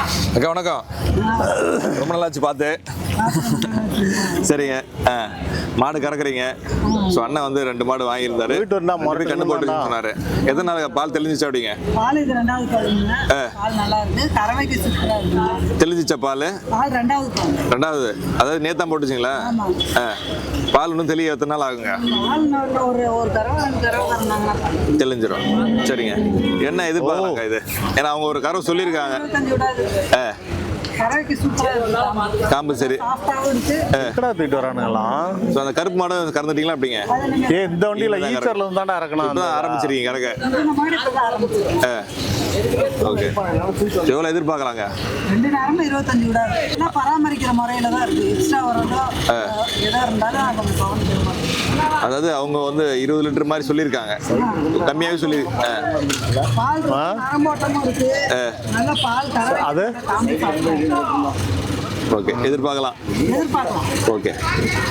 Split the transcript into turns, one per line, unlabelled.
அக்கா வணக்கம். ரொம்ப நல்லாச்சு பார்த்து. சரிங்க. மாடு கறக்குறீங்க. ஸோ அண்ணன் வந்து 2 மாடு வாங்கியிருந்தாரு. கண்ணு போட்டு சொன்னாரு. எத்தனை நாள் பால் தெளிஞ்சிச்சு அப்படிங்க?
பால் இது 2வது பாலுங்க. பால் நல்லா இருக்கு. கறவைக்கு சூப்பரா இருக்கு.
தெளிஞ்சிச்ச பால்?
பால் 2வது பால்.
2வது. அதாவது நேத்தான் போட்டுச்சிங்களா? பால் இன்னும் தெளிய எத்தனை நாள் ஆகுங்க?
பால் ஒரு கறவை 2 கறவை கறந்தாங்கன்னா
தெளிஞ்சிரும். சரிங்க. என்ன எதிர்பார்க்கலாங்க இது? ஏன்னா அவங்க ஒரு கறவை சொல்லியிருக்காங்க.
25 விடாது. கறவைக்கு சூப்பரா இருக்கு.
காம்பு சரி.
சாஃப்டாவும் இருக்கு.
எக்கடா தூக்கிட்டு வரானுங்களாம்.
ஸோ அந்த கருப்பு மாடு கறந்துட்டீங்களா அப்படிங்க?
இந்த வண்டியில ஈச்சர்ல இருந்து தாண்டா இறக்கணும்.
இப்பதான் ஆரம்பிச்சிருக்கீங்க கறக்க.
இந்த மாடு இப்பதான் ஆரம்பிச்சிருக்கு.
ஓகே. எவ்வளோ எதிர்பார்க்கலாங்க?
2 நேரமும் 25 விடாது. எல்லாம் பராமரிக்கிற முறையில தான் இருக்கு. எக்ஸ்ட்ரா வரதோ எதா இருந்தாலும் கொஞ்சம் கவனிக்கணும்.
அதாவது அவங்க வந்து 20 லிட்டர் மாதிரி சொல்லியிருக்காங்க. கம்மியாகவே சொல்லி
பால் நரம்போட்டமும் இருக்கு. நல்ல பால் கறவை
அது
ஓகே எதிர்பார்க்கலாம்.
எதிர்பார்க்கலாம்.
ஓகே.